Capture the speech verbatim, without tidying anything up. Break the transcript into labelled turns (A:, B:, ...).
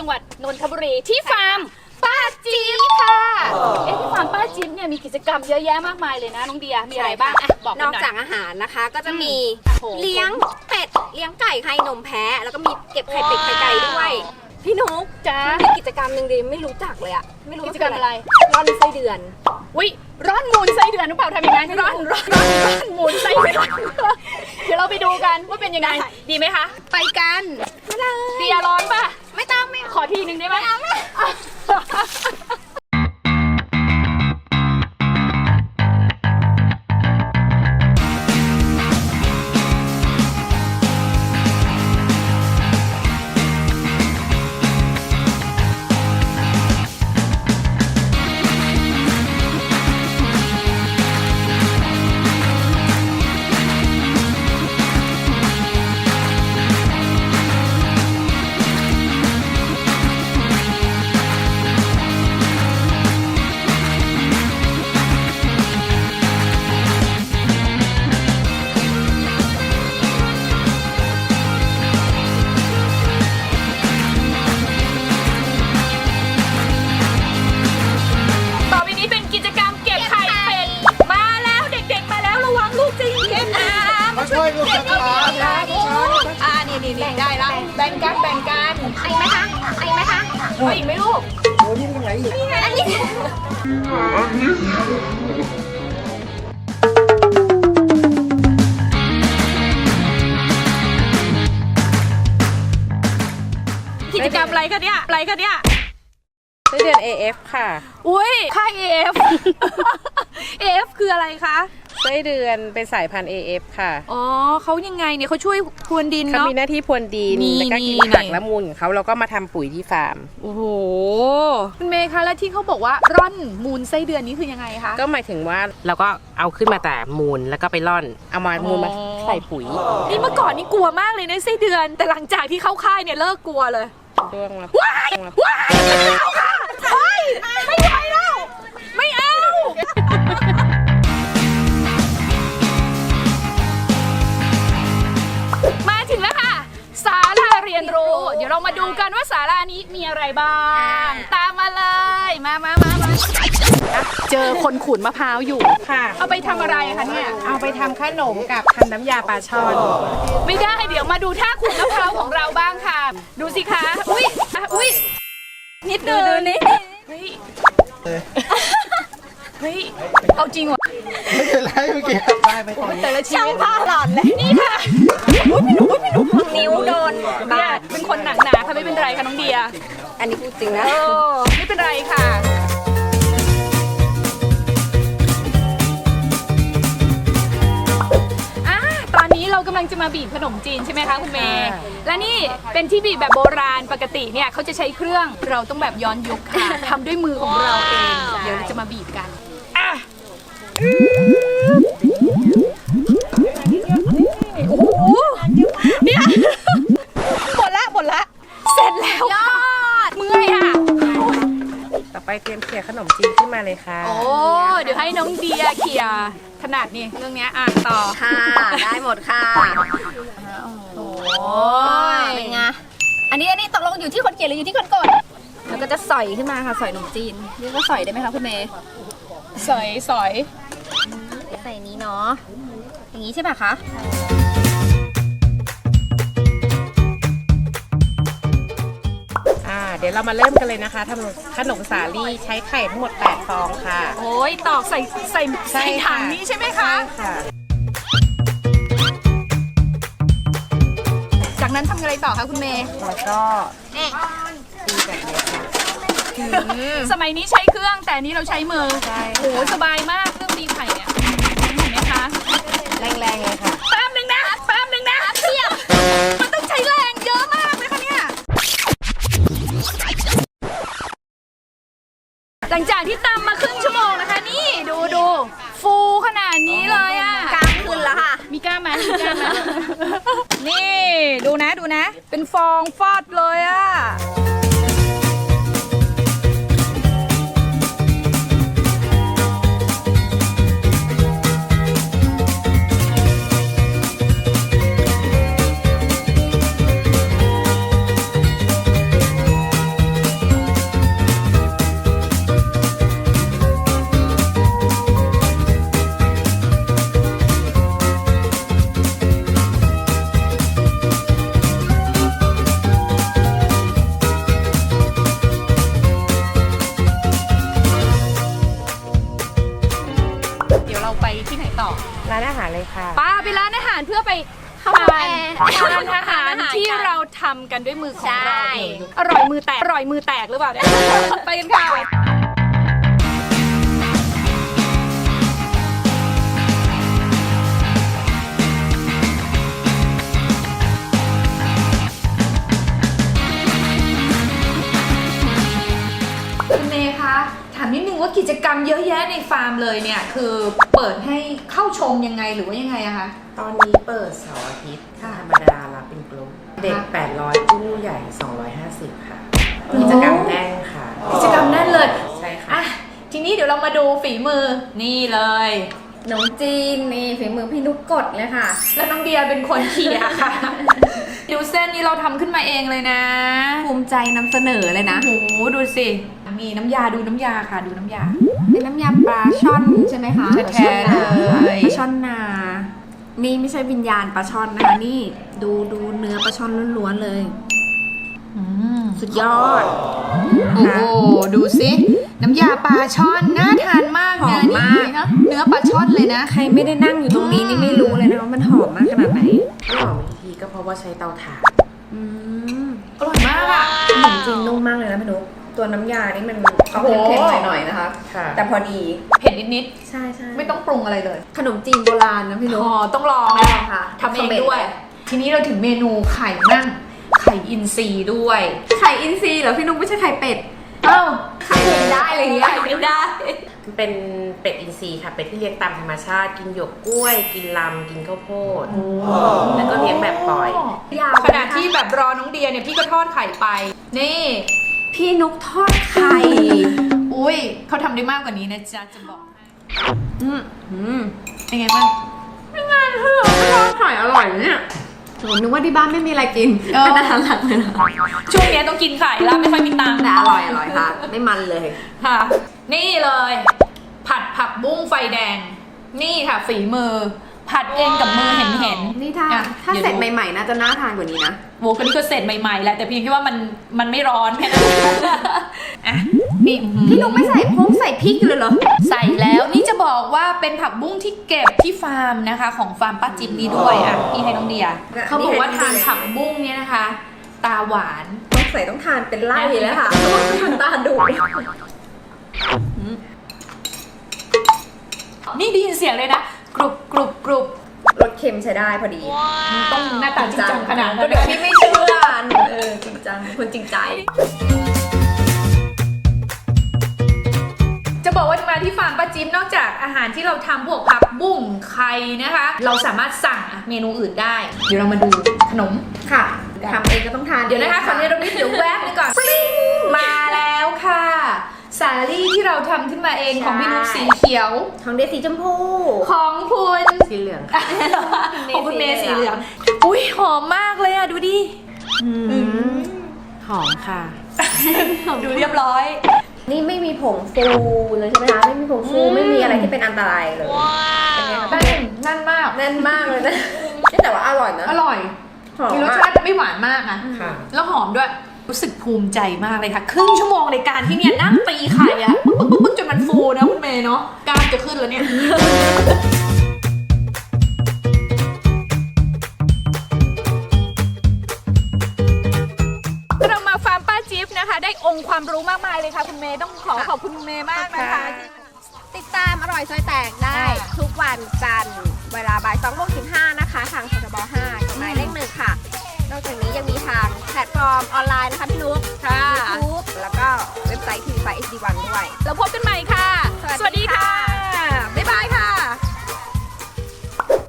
A: จังหวัดนนทบุรีที่ฟาร์มป้าจิ๊บค่ะเอ๊ะที่ฟาร์มป้าจิ๊บเนี่ยมีกิจกรรมเยอะแยะมากมายเลยนะน้องเดียมีอะไรบ้างอ่ะบอก
B: น
A: กั
B: อน ก
A: หน่อย
B: จากอาหารนะคะก็จะมี
A: โอ้โห
B: เลี้ยงเป็ดเลี้ยงไก่ไข่นมแพะแล้วก็มีเก็บไข่เป็ดไข่ไก่ด้วยพี่นุ๊ก
A: จ้า
B: มีกิจกรรมหนึ่งดิไม่รู้จักเลยอะไม่รู้
A: กิจกรรมอะไร
B: ร่อนไส้เดือน
A: วิร่อนมูลไส้เดือนหรือเปล่าทำยังไงร่อนร่อนร่อนร่อนมูลไส้เดือนเดี๋ยวเราไปดูกันว่าเป็นยังไงดีไหมคะไปกัน
B: ไม่ได้
A: เดียร้อนป่ะ
B: ไม่ต้องไม่
A: ขอทีหนึ่งได้ไหมต่อไปนี้เป็นกิจกรรมเก็บไข่เป็ดมาแล้วเด็กๆมาแล้วระวังลูกจริงเก็บนะ
C: มาช่วยลูกช้าช้า
A: อ่านี่นี่นี่ได้ละแบ่งกันแบ่งกัน
B: ไอ้ไหมคะไอ้ไหมคะ
A: เอาอีกไหมลูก
C: โอ้นี่เป็นไงอีก
B: อันนี้
A: กิจกรรมอะไรคะเนี่ยอะไรคะเนี่ย
D: ไส้เดือน เอ เอฟ ค่ะ
A: อุ้ยค่าย เอ เอฟ เอ เอฟ คืออะไรคะ
D: ไส้เดือนเป็นสายพันธุ์ เอ เอฟ ค่ะ
A: อ๋อเขายังไงเนี่ยเขาช่วยพรวนดิน
D: เขา
A: เนาะ
D: มีหน้าที่พรวนดิน
A: นี่
D: แล้วก็กิน
A: นี่
D: ผักและมูลของเขาเราก็มาทำปุ๋ยที่ฟาร์ม
A: โอ้โหคุณเมย์คะแล้วที่เขาบอกว่าร่อนมูลไส้เดือนนี้คือยังไงคะ
D: ก็หมายถึงว่าเราก็เอาขึ้นมาแต่มูลแล้วก็ไปร่อน เอามามูลมา
A: อ๋อ
D: ใส่ปุ๋ย
A: นี่เมื่อก่อนนี่กลัวมากเลยในะไส้เดือน แต่หลังจากที่เข้าค่ายเนี่ยเลิกกลัวเลย
D: ด้วงแล้ว
A: ว้ายว้ายไม่เอาค่ะเฮ้ยไม่ไหวแล้ว ไม่เอา มาถึงแล้วค่ะศาลาเรียนรู้ เดี๋ยวเรามาดูกันว่าศาลานี้มีอะไรบ้าง ตามมาเลย มามามามาเจอคนขูดมะพร้าวอยู่
D: ค่ะ
A: เอาไปทำอะไรคะเนี่ย
D: เอาไปทำขนมกับทำน้ำยาปลาช่อน
A: ไม่ได้เดี๋ยวมาดูท่าขูดมะพร้าวของเราบ้างค่ะ ดูสิคะ อุ้ยอ่ะอุ้ยนิดนึงนี่เฮ้ยเฮ้ยเอาจริงว่ะ
C: ไม่เป็นไรเมื่อกี้ได้ไปต่อ
A: แต่ละชีวิต
B: ผ้าหลอนเลย
A: นี่ค่ะ
B: นิ้วโดน
A: เนี่
B: บาย ด
A: เป็นคนหนักหนาค่ะไม่เป็นไรค่ะน้องเดีย
B: อันนี้พูดจริงนะ
A: เออไม่เป็นไรค่ะอ่ะตอนนี้เรากำลังจะมาบีบขนมจีนใช่ไหมคะคุณเมย์และนี่เป็นที่บีบแบบโบราณปกติเนี่ยเขาจะใช้เครื่องเราต้องแบบย้อนยุคค่ะทำด้วยมือของเราเองเดี๋ยวเราจะมาบีบกันอ่ะโอ้โหเนี่ยหมดละหมดละเสร็จแล้วค่ะเมื่อยอ่ะ
D: ต่อไปเตรียมเขี่ยขนมจีนขึ้นมาเลยค่ะ
A: โอ้ เดี๋ยวให้น้องเดียเขี่ยถนัดนี่เรื่องเนี้ยอ่ะต่อ
B: ค่ะ ได้หมดค่ะ
A: โอ้
B: เป็นไงอันนี้อันนี้ตกลงอยู่ที่คนเขียนหรืออยู่ที่คนกดแล้วก็จะสอยขึ้นมาค่ะสอยขนมจีนเรียกว่าสอยได้ไหมคะคุณเมย์
A: สอยสอย
B: ใส่นี้เนาะอย่างนี้ใช่ป่ะคะ
D: อ่า เดี๋ยวเรามาเริ่มกันเลยนะคะทำขนมสาลี่ใช้ไข่ทั้งหมดแปดฟองค่ะ
A: โอ้ยตอกใส่ใส่ใส่ถังนี้ใช่ไหมคะ
D: ใช่ค่ะ
A: จากนั้นทำอะไรต่อคะคุณเมย์
D: แล้วก็ตีแบบนี้ค่ะ
A: สมัยนี้ใช้เครื่องแต่อันนี้เราใช้มือ
D: ใช่
A: โอ้โหสบายมากเครื่องตีไข่เนี่ยเห็นไหมคะ
D: แรงๆเลยค่ะ
A: แป๊บหนึ่งนะแป๊บหนึ่งนะเทียบมันต้องใช้แรงเยอะมากเลยค่ะเนี่ยหลังจากที่ตำมาครึ่งชั่วโมงนะคะนี่ดูดูฟูขนาดนี้เลยอ่ะ
B: กลางคืนแล้วค่ะ
A: มีกล้ามไหมมีกล้ามไหม นี่ดูนะดูนะ เป็นฟองฟอดเลยอ่ะไปที่ไหนต่อ
D: ร้านอาหารเลยค่ะ
A: ป้าไปร้านอาหารเพื่อไป
B: เข้า
A: ทา
B: แอร์
A: นทานอาหารที่เราทำกันด้วยมือของเราเองอร่อยมือแตกอร่อยมือแตกหรือเปล่าเนี่ยไปกันค่ะคุณเมย์คะถามนิดนึงว่ากิจกรรมเยอะแยะในฟาร์มเลยเนี่ยคือเปิดให้เข้าชมยังไงหรือว่ายังไงอะคะ
D: ตอนนี้เปิดเสาร์อาทิตย์ธรรมดารับเป็นกลุ่มเด็ก แปดร้อย ผู้ใหญ่ สองร้อยห้าสิบ ค่ะ กิจกรรมแน่นค่ะ
A: กิจกรรมแน่นเลย
D: ใช่ค่ะ
A: อ่ะทีนี้เดี๋ยวเรามาดูฝีมือนี่เลย
B: ขนมจีนนี่ฝีมือพี่นุกกดเลยค่ะ
A: แล้วน้องเดียเป็นคนเขี่ยค่ะ ดูเส้นนี้เราทำขึ้นมาเองเลยนะ
B: ภูมิใจนำเสนอเลยนะ
A: โอ้โหดูสิมีน้ำยาดูน้ำยาค่ะ ดูน้ำยา
B: เป็นน้ำยาปลาช่อนใช่ไหมคะ
A: แท้ๆเลย
B: ปลาช่อนนา นี่ไม่ใช่วิญญาณปลาช่อนนะคะนี่ดูดูเนื้อปลาช่อนล้วนๆเลย
A: อืม
B: สุดยอด
A: โอ้โหดูสิน้ำยาปลาช่อนน่าทานมาก
B: หอ
A: นะ
B: มมาก
A: นี่เนอะเนื้อปลาช่อนเลยนะ
B: ใครไม่ได้นั่งอยู่ตรงนี้นี่ไม่รู้เลยนะว่ามันหอมมากขนาดไหน
D: ที่หอมอีกทีก็เพราะว่าใช้เตาถ่าน
B: อืม
A: อร่อยมากอ่ะ
B: ขนมจีนนุ่มมากเลยนะพี่นุกตัวน้ำยานี่มันออก
A: โอ้โห
B: เค็มๆหน่อยๆนะคะ
D: ค่ะ
B: แต่พอดี
A: เผ็ดนิด
B: ใช่ใช่
A: ๆไม่ต้องปรุงอะไรเลย
B: ขนมจีนโบราณนะพี่นุก
A: อ๋อต้องลอง
B: ล
A: นะ
B: องค่ะ
A: ทำเองด้วย ทีนี้เราถึงเมนูไข่นั่งไข่อินทรีด้วย
B: ไข่อินทรีย์เหรอพี่นุกไม่ใช่ไข่เป็ด
A: เอ้า
B: ไข่ไม่ได้อะไรอย่างเงี้ย
A: ไข่ไม่ได้
D: เป็นเป็ดอินทรีย์ค่ะ เป็ดที่เลี้ยงตามธรรมชาติ กินหยวกกล้วย กินลำ กินข้าวโพด แล้วก็เลี้ยงแบบปล่อย
B: ยาว
A: ขณะที่แบบรอน้องเดียเนี่ยพี่ก็ทอดไข่ไป นี่
B: พี่นุกทอดไข่
A: อุ้ยเขาทำได้มากกว่านี้นะจ๊ะจะบอกให้
B: อืมอืม
A: เป็นไงบ้าง
B: ไม่งานเถอะทอดไข่อร่อยเนี่ยโหนึกว่าที่บ้านไม่มีอะไรกิน
A: เออ
B: เป็นอาหารหลักเลยนะ
A: ช่วงเนี้ยต้องกินไข่แล้วไม่ค่อยมีตังค์
B: แต่อร่อยอร่อยค่ะ ไม่มันเลย
A: ค่ะ นี่เลย ผัดผักบุ้งไฟแดง นี่ค่ะฝีมือ ผัดเองกับมือเห็นเห็นๆ
B: นี่ถ้า
A: อ่ะ
B: ถ้า
A: ดี๋ยว
B: เสร็จ
A: ดู
B: ใหม่ๆน่าจะน่าทานกว่านี้นะ
A: โวก็นี่ก็เสร็จใหม่ๆแหละแต่เพียงแค่ว่ามันมันไม่ร้อนแค่นั้นอ่ะนี่อื้อหือ
B: พี่นุกไม่ใส่พงใส่พริกเลยเหรอ
A: ใส่แล้วนี่จะบอกว่าเป็นผักบุ้งที่เก็บที่ฟาร์มนะคะ ของฟาร์มป้าจิ๊บนี้ด้วยอ่ะพี่ให้น้องเดีย
B: เนี่ย
A: เขาบอกว่า
B: นี่ให้
A: ทาน
B: น้องเดีย
A: ผักบุ้งเนี่ยนะคะ ตาหวาน
B: ต้องใส่ต้องทานเป็นไล่แล้วค่ะทานตาดุ
A: นี่ได้ยินเสียงเลยนะกรุบกรุบกรุบ
B: รสเค็มใช้ได้พอดี
A: ต้องหน้าตาจริงจังขนาดนั้น
B: เดี๋ยวพี่ไม่เชื่อเออจริงจังคนจริงใจ
A: จะบอกว่ามาที่ฟาร์มป้าจิ๊บนอกจากอาหารที่เราทำพวกผักบุ้งไข่นะคะ เราสามารถสั่งเมนูอื่นได้ เดี๋ยวเรามาดูขนม
B: ค่ะทำเองก็ต้องทาน
A: เดี๋ยวนะคะขอเนรมิตเดี๋ยวแวบนึงก่อนปริ้งมาแล้วค่ะ สาลี่ที่เราทำขึ้นมาเองของพี่นุ๊กสีเขียว
B: ของเดสีชมพู
A: ของคุณ
D: สีเหลืองค่ะ
A: ของคุณเมย์สีเหลืองอุ้ยหอมมากเลยอ่ะดูดิ
D: หอมค่ะ
A: ดูเรียบร้อย
B: นี่ไม่มีผงฟูเลยใช่ไหมคะไม่มีผงฟู
A: อืม
B: ไม่มีอะไรที่เป็นอันตรายเลยเป็นไงคะ
A: แน่นแน่นมาก
B: แน่นมากเลยนะแต่ว่าอร่อยนะ
A: อร่อย
B: หอม
A: มีรส
B: มาก
A: ชาติไม่หวานมากนะ
D: ค่ะ
A: แล้วหอมด้วย รู้สึกภูมิใจมากเลยค่ะ ครึ่งชั่วโมงในการที่เนี่ยนั่งตีไข่อะปึ๊กปึ๊กปึ๊กจนมันฟูนะคุณเมย์เนาะกล้ามจะขึ้นแล้วเนี่ย เรามาฟาร์มป้าจิ๊บนะคะ ได้องค์ความรู้มากมายเลยค่ะคุณเมย์ต้องขอขอบคุณคุณเมย์มากนะคะที่
B: ติดตามอร่อยซอยแตกได้
A: อ่า
B: ทุกวันจันทร์เวลาบ่ายสองโมงสิบห้านะคะ ทางททบห้ากฎหมายเลขหนึ่งค่ะ นอกจากนี้ยังมีทางแพลตฟอร์มออนไลน์นะคะพี่นุ๊ก
A: ค่ะ
B: ยูทูบแล้วก็เว็บไซต์ทีวีไฟเอชดีวันด้วย
A: แล้วพบกันใหม่ค่ะ